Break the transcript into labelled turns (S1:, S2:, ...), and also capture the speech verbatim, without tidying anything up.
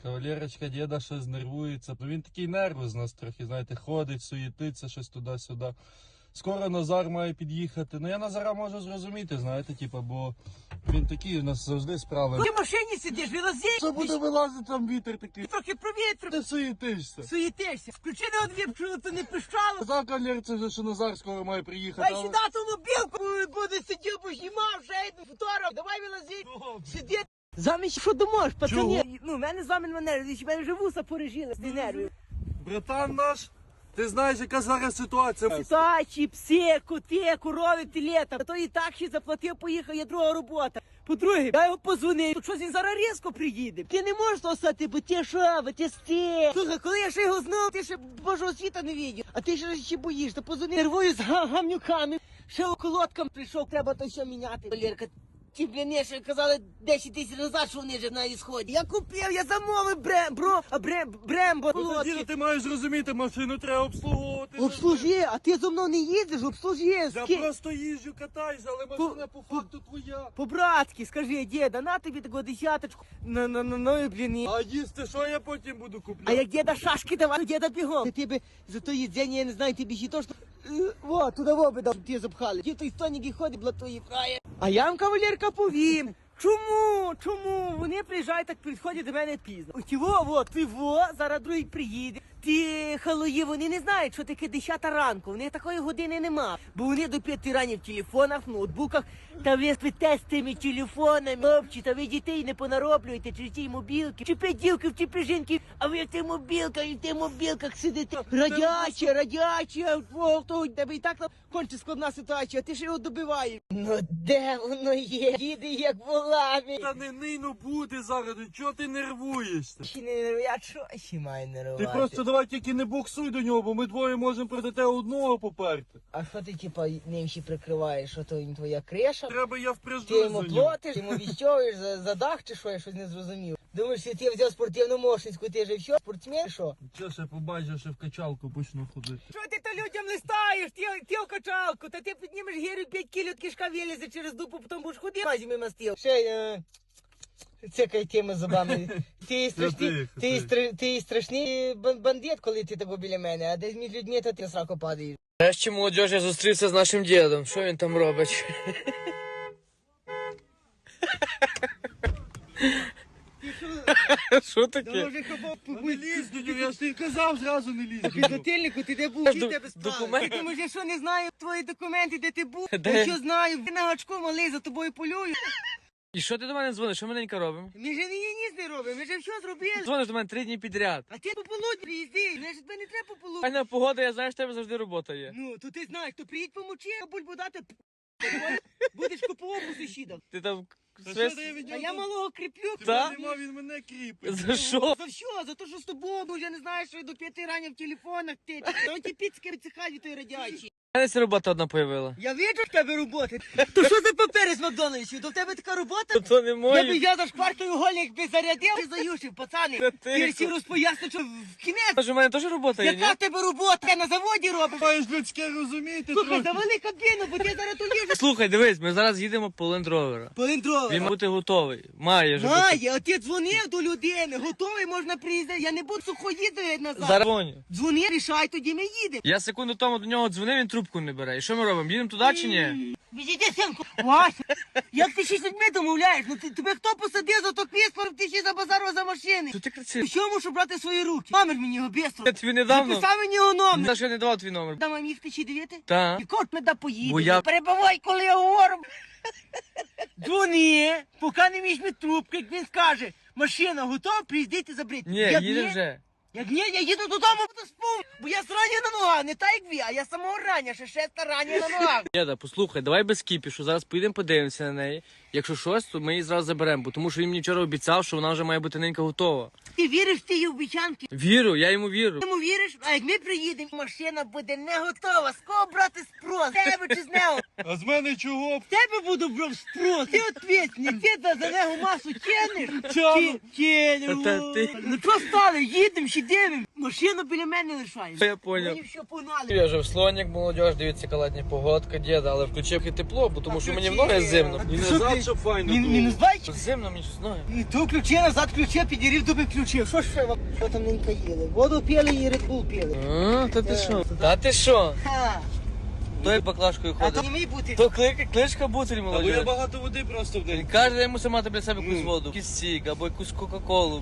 S1: Кавалерочка діда щось нервується. Ну він такий нерву з нас трохи, знаєте, ходить, суєтиться щось туди-сюди. Скоро Назар має під'їхати. Ну я Назара можу зрозуміти, знаєте, типу, бо він такий, у нас завжди справи.
S2: Ти в машині сидиш, вилазиш.
S1: Що буде вилазити, там вітер такий?
S2: Трохи провітру.
S1: Ти суєтишся.
S2: Суєтишся. Включи на одвір, щоб то не пищало.
S1: Казав кавалерці вже, що Назар скоро має приїхати.
S2: Дай
S1: але-
S2: сюди ту мобілку, буде сидів, познімав, ще один фотограф. Давай вилазить. Сиди. Замість, що думаєш, пацани? Ну, в мене замін мене, в мене вже вуса порежили з нервів.
S1: Братан наш, ти знаєш, яка зараз ситуація.
S2: Сачі, пси, коти, корови, телета. То і так ще заплатив, поїхав, є друга робота. По-друге, я його позвонив, то щось він зараз різко приїде. Ти не можеш то стати, бо ти що, бо ти сти. Слухай, коли я ще його знав, ти ще Божого світа не видів. А ти ще, ще боїшся, позвонив. Нервую з га- гамнюками. Ще околоткам прийшов, треба то все міняти. Валерка, ті бліни, що казали десять тисяч назад, що вони вже на ісході. Я купив, я замовив брем, бро, а брем, брембо.
S1: Діду, ти маєш розуміти, машину треба обслуговувати.
S2: Обслужи, а ти зо мною не їздиш, обслужи.
S1: Я
S2: Ски-
S1: просто їжджу, катаюся, але машина по факту твоя.
S2: По-братськи, скажи, діда, на тобі таку десяточку, на, на, на, на, блін.
S1: А їсти що я потім буду купляти?
S2: А як діда шашки давай, то діда бігом. Ти тебе за то їдзення, я не знаю, тобі ще то, що... Е, Во, туди в обидав, ті запхали. Ті той стоник і ходить, блатує фрає. А я вам, кавалерка, повім. Чому? Чому? Вони приїжджають, так підходять до мене пізно. Ті во, во, ти во, зараз другий приїде. Ті халуї, вони не знають, що таке десята ранку. Вони такої години нема. Бо вони до п'яти рані в телефонах, в ноутбуках. Та ви спите з тими телефонами. Хлопці, та ви дітей не понароблюєте через ті мобілки. Чи п'ятівки, чи п'яжинки, а ви в тих мобілках, і в тих мобілках сидите. Радяче, радяче, о, то у тебе і так там конче складна ситуація, а ти ж його добиваєш. Ну де воно є? Їде як волами.
S1: Та не нино буде зараз, чого ти нервуєшся?
S2: Чи не нервую? Я що ще маю нервувати?
S1: Ти просто давай тільки не боксуй до нього, бо ми двоє можемо проти тебе одного поперти.
S2: А що ти, типа, ним ще прикриваєш? Що то він твоя криша?
S1: Треба я впряжу
S2: Ти йому
S1: за нього.
S2: платиш, ти йому віщовуєш за, за дах чи що, я щось не зрозумів. Думаєш, що ти взяв спортивну мошницьку, ти же що, спортсмен, що?
S1: Що ще побачиш, що в качалку почну ходити.
S2: Що ти то людям листаєш, ти, ти в качалку, та ти піднімеш гірю п'ять кілів, кишка вилізе через дупу, потім будеш ходити, возьми мастил. Ще, е, цикай тими зубами. Ти страшний,
S1: тихо,
S2: ти,
S1: тихо.
S2: стра- ти страшний бан- бандит, коли ти тако біля мене, а десь між людьми, то ти в сраку падаєш.
S3: Нарешті, молодіж, я зустрівся з нашим дідом. Що він там робить? Що таке?
S2: Може, хабо,
S1: Не лізь до нього, я ж тобі казав, зразу не лізь.
S2: Та підзатильнику, ти де був, чи
S3: Ду-
S2: тебе справи?
S3: документи.
S2: Я думаю, я що не знаю твої документи, де ти був?
S3: Де?
S2: Я що знаю, ти на гачку малий, за тобою полюю.
S3: І що ти до мене дзвониш? Що ми ненька робимо?
S2: Ми же ні ніс не робимо, ми же все зробили.
S3: Дзвониш до мене три дні підряд.
S2: А ти по полудні приїзди, мене ж тебе не треба по полудні.
S3: Файна погода, я знаю, що в тебе завжди робота є.
S2: Ну, то ти знаєш, то приїдь помочи, а бульбу дати, будеш купував у сусіда.
S3: Ти там
S1: Та
S3: свист...
S1: що ти від
S2: А
S1: нього?
S2: я малого кріплю.
S3: Та?
S1: Нема, він мене кріпить.
S3: За що?
S2: За що? За те, що з тобою, бо я не знаю, що я до п'яти рані в телефонах ти. Та ті піцки вицехалі той радячі.
S3: У мене ця робота одна появила.
S2: Я бачу в тебе роботи. То що за папери з Макдональдсів? То в тебе така робота?
S3: То не
S2: Я би
S3: мої.
S2: я за шкваркою гольник би зарядив і заюшив, пацани.
S3: Та
S2: Ти
S3: тихо.
S2: всі розпоясни, що в кінець.
S3: Тож у мене теж робота є, ні?
S2: Яка в тебе робота? Я на заводі робиш.
S1: Маєш людське розуміти
S2: Слухай,
S1: трохи.
S2: завали кабіну, бо ти зараз тут їжу.
S3: Слухай, дивись, ми зараз їдемо по Land Rover.
S2: Поліндрове.
S3: Він має бути готовий. Має вже бути.
S2: Має, а ти дзвонив до людини, готовий, можна приїздити. Я не буду сухоїдати назад.
S3: Зараз дзвоню.
S2: Дзвони, рішай, тоді ми їдемо.
S3: Я секунду тому до нього дзвонив, він трубку не бере. І що ми робимо? Їдемо туди чи ні?
S2: Візите, синку. Вася, як ти ще з людьми домовляєш? Ну ти, тебе хто посадив за то квіспор, ти ще забазарував за машини?
S3: Що ти кричиш?
S2: Що мушу брати в свої руки? Номер мені його бістро.
S3: Я тобі недавно.
S2: Записав мені його номер.
S3: За що я не давав твій номер?
S2: Дам вам їх тисячі дивити?
S3: Та.
S2: І кот не да поїде.
S3: Бо я-
S2: Не перебивай, коли я говорю. Дзвони, поки не візьме трубку, як він скаже, машина готова, приїздити забрити.
S3: Ні,
S2: Як
S3: їде вже.
S2: Як ні, я їду додому, буду спав, бо я зрані на ногах, не так як ви, а я самого рання, ще шеста рання на ногах.
S3: Діда, послухай, давай без кіпішу, зараз поїдемо подивимося на неї. Якщо щось, то ми її зразу заберемо, бо тому що він мені вчора обіцяв, що вона вже має бути ненька готова.
S2: Ти віриш в ті обіцянки?
S3: Вірю, я йому вірю.
S2: Ти йому віриш? А як ми приїдемо, машина буде не готова. З кого брати спрос? З тебе чи з нього?
S1: А з мене чого?
S2: З тебе буду брав спрос. Ти ответственний, ти за, за нього масу тянеш?
S1: Тяну.
S2: Тянеш.
S3: Та ти-
S2: Ну що стали, їдемо, ще дивимо. Машину біля мене лишаєш.
S3: Я поняв.
S2: Мені все погнали.
S3: Я вже в слонік, молодіж, дивіться, яка летня погодка, діда, але включив і тепло, бо тому що мені в ноги зимно.
S1: І
S2: Що
S1: назад,
S2: ти?
S1: щоб файно
S2: Мін-
S1: було.
S2: Мінус двадцять?
S3: Зимно мені щось ноги.
S2: І ту ключі, назад ключі, підірів, дуби ключі. Що ж ще вам? Що там ненька їли? Воду пили і Red Bull пили.
S3: А, та ти що? Та ти що?
S2: Ха.
S3: Той баклажкою
S2: А то
S3: ходить.
S2: не мій бути.
S3: То клик, кличка бутиль,
S1: Або я
S3: молодіж.
S1: багато води просто в
S3: Він
S1: день.
S3: каже, я мусив мати для себе якусь воду. Якийсь сік, або якусь кока-колу.